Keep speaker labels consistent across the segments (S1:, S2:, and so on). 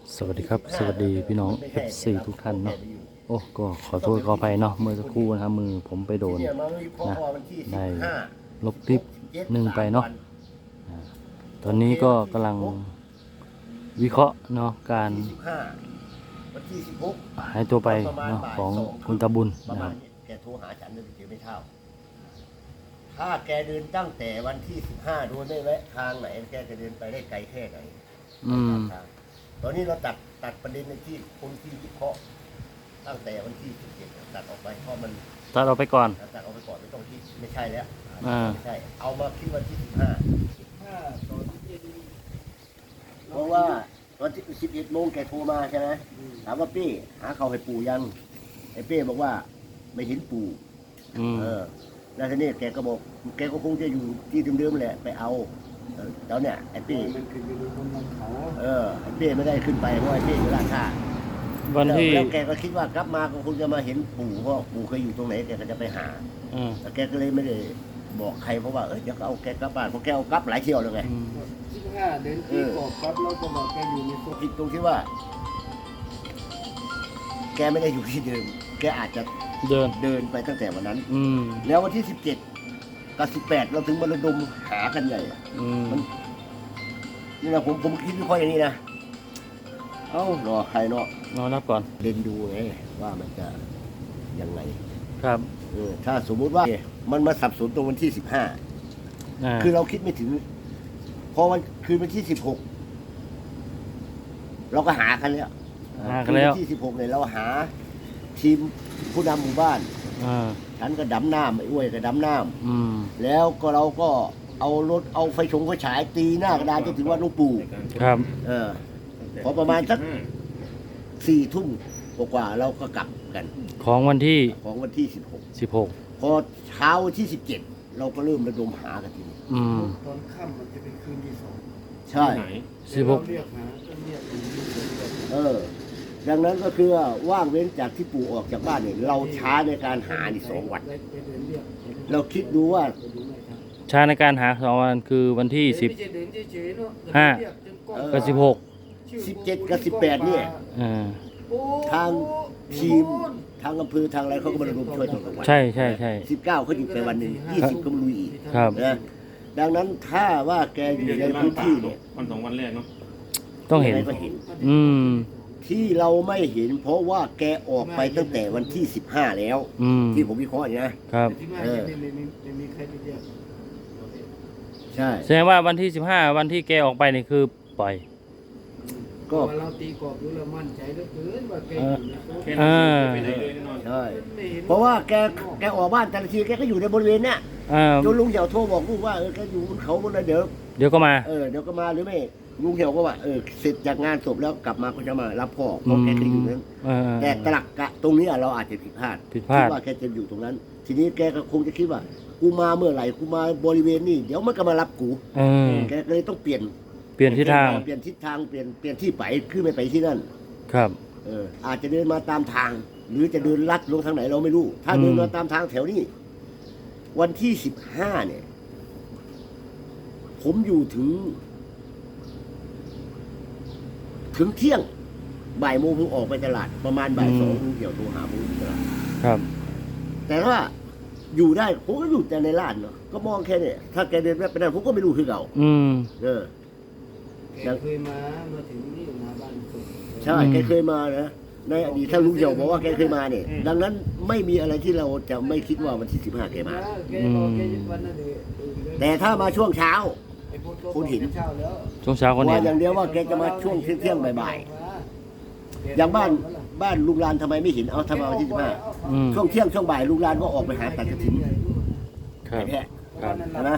S1: สวัสดีครับสวัสดีพี่น้อง FC ทุกท่านเนาะโอ้ก็ขอโทษขออภัยเนาะเมื่อสักครู่นะครับมือผมไปโดนนะได้ลบคลิปหนึ่งไปเนาะตอนนี้ก็กำลังวิเคราะห์เนาะการหายตัวไปเนาะของคุณตาบุญนะครับ
S2: แกโทรหาฉันเลยเดี๋ยวไม่เท่าถ้าแกเดินตั้งแต่วันที่15ดูได้ไหมทางไหนแกจะเดินไปได้ไกลแค่ไหนตอนนี้เราตัดประเด็นในที่คนที่วิเคราะห์ตั้งแต่วันที่17ตัดออกไปเพราะมัน
S1: ตัดออกไปก่อน
S2: ตัดออกไปก่อนไม่ต้องคิดไม่ใช่แล้ว
S1: ไม่
S2: ใช่เอามาคิดวันที่15ตอนที่เพราะว่าตอนที่11โมงแกโทรมาใช่ไหมถามว่าเป้หาเขาให้ปู่ยังไอ้เป้บอกว่าไม่เห็นปู่แล้วทีนี้แกก็บอกแกก็คงจะอยู่ที่เดิมๆแหละไปเอาแล้วเนี่ยไอ้เป้มันขึ้นอยู่บนเขาไอ้เป้ไม่ได้ขึ้นไปเพราะไอ้เป้อยู่ราชา
S1: วันที่
S2: แล้วแกก็คิดว่ากลับมาก็คงจะมาเห็นปู่เพราะปู่เคยอยู่ตรงไหนแกก็จะไปหาแต่แกก็เลยไม่ได้บอกใครเพราะว่าเดี๋ยวก็เอาแกกลับบ้านเพราะแกเอากลับหลายเที่ยวเลยไง
S3: 15เดือนที่กอบครับเราก็บอกแกอยู่ในตัว
S2: ผิดตรงที่ว่า แกไม่ได้อยู่ที่เดิมแกอาจจะเดินไปตั้งแต่วันนั้นแล้ววันที่17กับ18เราถึงมาระดมหากันใหญ่นี่นะผมคิดวิเคราะห์อย่างนี้นะรอใครเนาะ
S1: รอนับก่อน
S2: เดินดูไงว่ามันจะยังไง
S1: ครับ
S2: ถ้าสมมุติว่ามันมาสับสนตรงวันที่15คือเราคิดไม่ถึงพอวันที่16เราก็หากันแล้ววันที่16เนี่ยเราหาทีมผู้นำหมู่บ้านฉันก็ดำน้ำไอ้อ้วยก็ดำน้ำแล้วก็เราก็เอารถเอาไฟฉายตีหน้ากระดานจนถึงวัดหลวงปู่
S1: ครับ
S2: พอประมาณสัก4 ทุ่มกว่าเราก็กลับกัน
S1: ของวันที่
S2: 16พอเช้าวันที่17เราก็เริ่มระดมหากันทีนี้
S3: ตอนค่ำมันจะเป็นคืนที่2
S2: ใช่
S3: เรียกหา
S2: ดังนั้นก็คือว่างเว้นจากที่ปู่ออกจากบ้านเนี่ยเราช้าในการหานี่2 วันเราคิดดูว่า
S1: ช้าในการหา2 วันคือวันที่15กับ
S2: 17กับ18เนี่ยทางทีมทางอำเภอทางอะไรเขาก็มาระดมช่วยตลอดวัน
S1: ใช่
S2: 19เขาหยุดไปวันหนึ่ง20ก็มาลุยอีกนะดังนั้นถ้าว่าแกอยู่ในพื้นที่เนี่ย
S4: วัน2 วันแรกเนาะ
S1: ต้องเห็น
S2: ที่เราไม่เห็นเพราะว่าแกออกไปตั้งแต่วันที่15แล้วที่ผมวิเคราะห์นะครับ
S3: มีใครไปเรียก
S2: ใช่
S1: แสดงว่าวันที่15วันที่แกออกไปนี่คือปล่อย
S3: ก็เราตีกรอบดูแล้วมั่นใจเหลือเกินว่าแกอยู่ใน
S2: ใช่เพราะว่าแกออกบ้านแต่ละทีแกก็อยู่ในบริเวณเนี้ยจนลุงเหี่ยวโทรบอกลูกว่าแกอยู่บนเขาบนอะไรเ
S1: ดี๋ยวก็มา
S2: เดี๋ยวก็มาหรือไม่ลุงเหี่ยวก็ว่าเสร็จจากงานศพแล้วกลับมาก็จะมารับพ่อเพราะแกเคยอยู่นั้นแต่ตลักกะตรงนี้เราอาจจะผิดพลาดคิดว่าแกจะอยู่ตรงนั้น ทีนี้แกก็คงจะคิดว่ากูมาเมื่อไหร่กูมาบริเวณนี้เดี๋ยวมันก็มารับกูแกเลยต้องเปลี่ยน
S1: ทิศทาง
S2: เปลี่ยนที่ไปคือไม่ไปที่นั่น
S1: ครับ
S2: อาจจะเดินมาตามทางหรือจะเดินลัดลงทางไหนเราไม่รู้ถ้าเดินมาตามทางแถวนี้วันที่15เนี่ยผมอยู่ถึงเที่ยงบ่ายโมงผมออกไปตลาดประมาณบ่าย2ลุงเกี่ยวโทรหาผมตลาด
S1: ครับ
S2: แต่ว่าอยู่ได้ผมก็อยู่แต่ในร้านเนาะก็มองแค่นี้ถ้าแกเดินไปนั่นผมก็ไม่รู้คือเก่า
S3: แกเคยมาถึงนี่มาบ้าน
S2: ใช่แกเคยมานะในอดีตถ้าลุงเหี่ยวบอกว่าแกเคยมาเนี่ยดังนั้นไม่มีอะไรที่เราจะไม่คิดว่าวันที่15แกมาแต่ถ้ามาช่วงเช้าคุณเห็น
S1: ช่วงเช้าคน
S2: เห็นอย่างเดียวว่าแกจะมาช่วงเที่ยงบ่ายๆอย่างบ้านลุงลานทำไมไม่เห็นทำไมวันที่15ช่วงเที่ยงช่วงบ่ายลุงลานก็ออกไปหาตัดกระถิ่น
S1: ครับ
S2: นะ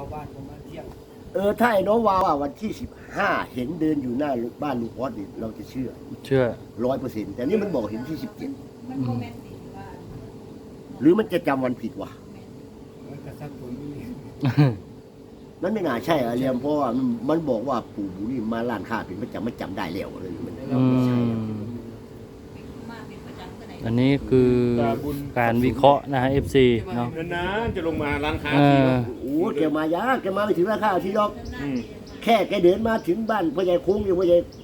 S2: ถ้าไอ้น้องว่าวันที่15เห็นเดินอยู่หน้าบ้านลุงออสนี่เราจะเชื่อ 100%แต่นี่มันบอกเห็นที่17หรือมันจะจำวันผิดวะนั่นไม่น่าใช่เรียมเพราะว่ามันบอกว่าปู่บุรีมาล้านค่าเป็นประจำไม่จำได้แล้วเลยมันไม่ใช่
S1: อันนี้คือการวิเคราะห์นะฮะ FC เนาะ
S4: นะจะลงมาร้านค้า
S2: แกมายาแกมาไม่ถึงร้านค้าที่ดอกแค่แกเดินมาถึงบ้านพ่อใหญ่คุ้งอยู่พ่อใหญ่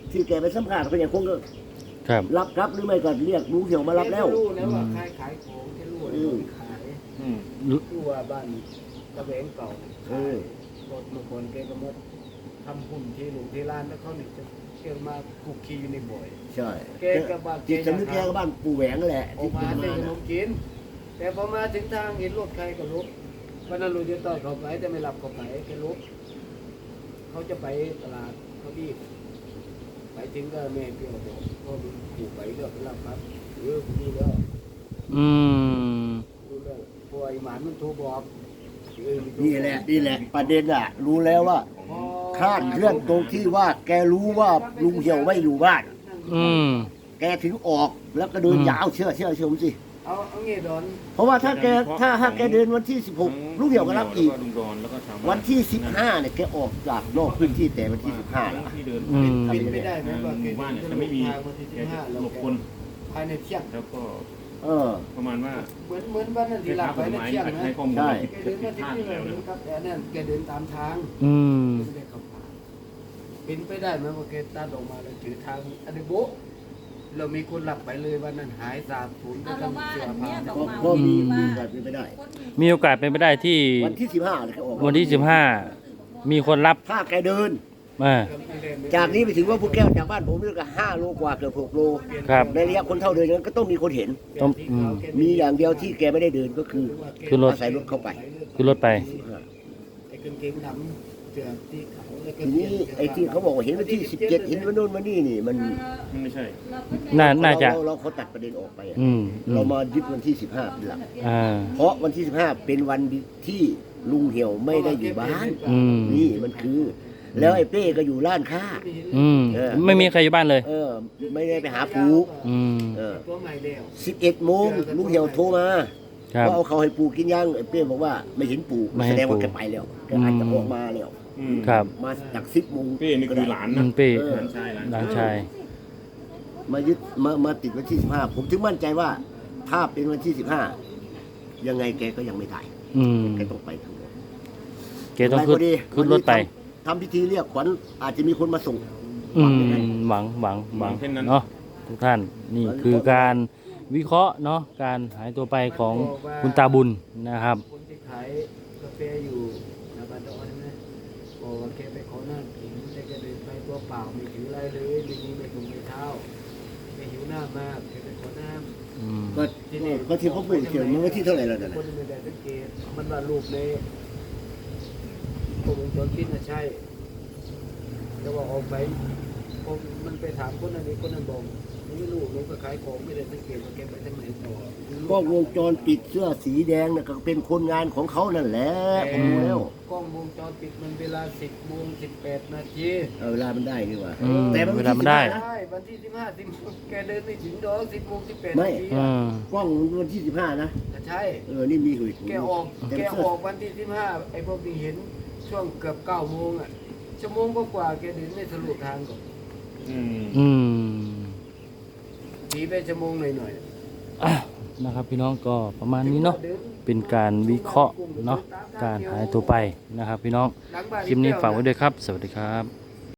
S2: ที่แกไปสัมภาษณ์เขาอย่างคงก็
S1: ครับ
S2: รับหรือไม่ก็เรียกลุงเหี่ยวมารับแล้ว
S3: แกรู้แล้วว่าใครขายของแกรู้แล้วว่าขาย
S4: อืม
S3: รู้ว่าบ้านตะแบงเก่า
S2: เออ
S3: รถเมื่อก่อนแกก็มาทำหุ่นที่หลุมที่ร้านแล้วเขาเนี่ยจะเกี่ยวมาคุกคีอยู่ในบ่อย
S2: ใช่
S3: แกกับบ้าน
S2: จิตสำนึกแกกับบ้านปู่แหวงนั่นแหละ
S3: ออกมา
S2: ที่
S3: ซื้อขน
S2: น่ะ
S3: มกิน แต่พอมาถึงทางเห็นรถใครก็ลุกวันนั้นลุงจะต่อยเขาไปแต่ไม่หลับเขาไปแกลุกเขาจะไปตลาดเขาดีไปถึงก็แม่เปรี้ยวบอกพ่อลุงขู่ไปก็ไปรับครับผมรู้แล้ว
S1: อืม
S3: รู้แล้วพอไอ้หมานมันโทรบอกมัโทร
S2: นี่แหละประเด็นอ่ะ รู้แล้วว่า
S3: พอ
S2: คลาดเคลื่อนตรงที่ว่าแกรู้ว่าลุงเหี่ยวไม่อยู่บ้าน
S1: อืม
S2: แกถึงออกแล้วก็เดินยาวเชื่อผมสิ
S3: เอางี้ดอน
S2: เพราะว่าถ้าแกเดินวันที่ 16ลุงเหี่ยวก็รับอีก
S4: ลุงดอนแล้วก็ชาวบ้า
S2: วันที่ 15เนี่ยแกออกจากนอกพื้นที่แต่วันที่ 15แล้ว
S4: ที่เดิน
S1: อืม
S3: เป็นไปได้ไหม
S4: ห
S3: ว่าแก
S4: มู่บ้านเนี่ยจะไม่มี
S3: ทางวันที่
S4: แกจะ
S3: 15
S4: หลบคน
S3: ภายในเที่ยง
S4: แล้วก็
S2: เออ
S4: ประมาณว่า
S3: เหมือนบ้านนั่นที่หลับไปในเที่ยงนะ
S4: ให้ข้อมูล
S2: ใช่
S3: แกเดินมาที่
S4: พลาด
S3: นี่
S4: แล้ว
S3: เลย
S4: นะ
S3: ครับแต่นั่นแกเดินตามทาง
S1: อืม
S3: ไม่ได้เข้าป่าเป็นไปได้ไหมว่าแกตัดออกมาแล้วถือทางอันนี้โบ๊ะเรามีคนหลับไปเลยวันนั้นหายสาบสูญไป
S5: เอา
S3: ทั้
S5: ละ
S3: ง
S5: ว่า
S3: เสื้อ
S5: อัน
S3: ผ้า
S5: เนี้ยดอก
S2: ก็
S5: ไม้
S2: ก็มี
S5: ว่า
S2: เป็นไปได้
S1: มีโอกาสเป็นไปได้ที่
S2: วันที่ 15เนี่ยแกออก
S1: วันที่ 15 มีคนรับ
S2: ถ้าแกเดิน
S1: อ่า
S2: จากนี้ไปถึงว่าผู้แก้วจากบ้านผมนี่ก็5 โลกว่าเกือบ6 โล
S1: ครับ
S2: ในระยะคนเท่าเดินนั้นก็ต้องมีคนเห็น
S1: ต้องอืม
S2: มีอย่างเดียวที่แกไม่ได้เดินก็คือ
S1: ขึ้นรถ
S2: อาศัยรถเข้าไป
S1: ขึ้นรถไป
S3: ไอ้กางเกงดำเสื้อที่เขาแล้วก็
S2: ทีนี้ไอ้ที่เขาบอกว่าเห็นวันที่ 17 เห็นวันโน้นวันนี้นี่มัน
S4: ไม่ใช่
S1: น่าจะ
S2: เราเขาตัดประเด็นออกไปอะ
S1: อืม
S2: เรามายึดวันที่ 15เป็นหลัก
S1: อ่า
S2: เพราะวันที่ 15 เป็นวันที่ลุงเหี่ยวไม่ได้อยู่บ้าน
S1: อืม
S2: นี่มันคือ แล้วไอ้เป้ก็อยู่ร้านค้า
S1: อืม ไม่มีใครอยู่บ้านเลย
S2: ไม่ได้ไปหาปู
S1: อืม
S3: ตัวใหม่แล้ว
S2: 11 โมงลุงเหี่ยวโทรมา
S1: ครับ
S2: ว่าเอาเขาให้ปูกินยังไอ้เป้บอกว่าไม่เห็นปู
S1: ไม่เห็
S2: แส
S1: น
S2: ดงว่า
S1: ปู่
S2: แกไปแล้วแกอาจจะออกมาแล้ว
S4: อืม
S1: ครับ
S2: มาจาก10 โมง
S4: เป้นี่คือหลาน
S1: อื
S4: นะ
S1: มเป้
S4: หลานชายหลาน
S1: หลานชาย
S2: มายึดมาติดวันที่ 15 ผมถึงมั่นใจว่า ถ้าเป็นวันที่ 15 ยังไงแกก็ยังไม่ตาย
S1: อืม
S2: แกต้องไปทั้งหมด
S1: เกต้องขึ้นรถไป
S2: ทำพิธีเรียกขวัญอาจจะมีคนมาส่ง
S1: อืม หวังเนาะทุกท่าน นี่คือการวิเคราะห์เนาะ การหายตัวไปของคุณตาบุญนะครับ
S3: คนที่ขายกาแฟอยู่หน้าบ้านดอนนะบอกว่าแกไปขอน้ำกินแต่แกเดินไปตัวเปล่าไม่ถืออะไรเลยไม่มีไม่ถุงไม่เท้าแกหิวน้ำมากแกไปขอน้ำ
S1: อืม
S2: ก็ที่เขาพูดเขียนมันวันที่เท่าไหร่แล้วนั่น
S3: ค
S2: น่ะ
S3: นไม่ได้สังเกตมันว่ารูปในกล้องวงจรปิดนะใช่แล้วว่าออกไปผมมันไปถามคนนั้นคนนั้นบอกไม่รู้ลงก็ขายของไม่ได้สังเกตว่าแกไปทางไหนต่อ
S2: ก็วงจรปิดเสื้อสีแดงน่ะก็เป็นคนงานของเขานั่นแหละผมรู้แล้ว
S3: กล้องวงจรปิดมันเวลา 10 โมง 18 นาที
S2: เวลามันได้นี่หว่า
S1: อืม
S2: แต่มัน
S1: เวลามันได้
S2: นะ
S3: ใช่วันที่ 15 10แกเดินไม่ถึงดอก10 โมง 18
S2: ไม่
S3: นาที
S1: อืม
S2: กล้องวันที่ 15 นะ
S3: ใช่
S2: นี่มีหุย
S3: แกออก
S2: แต่
S3: แก
S2: เสื้
S3: ออกวันที่ 15 ไอ้พวกที่เห็นช่วงเกือบ 9 โมงอ่ะชั่วโมงกว่าแกเดินไม่ทะลุทางก่อน
S4: อืม
S1: อืม
S3: ทีไปชั่วโมงหน่อย
S1: อ่ะนะครับพี่น้องก็ประมาณนี้เนาะ เป็นการวิเคราะห์เนาะ การหายตัวไปนะครับพี่น้อง
S3: หลังบ้าน
S1: คลิปนี้ฝากไว้ด้วยครับ สวัสดีครับ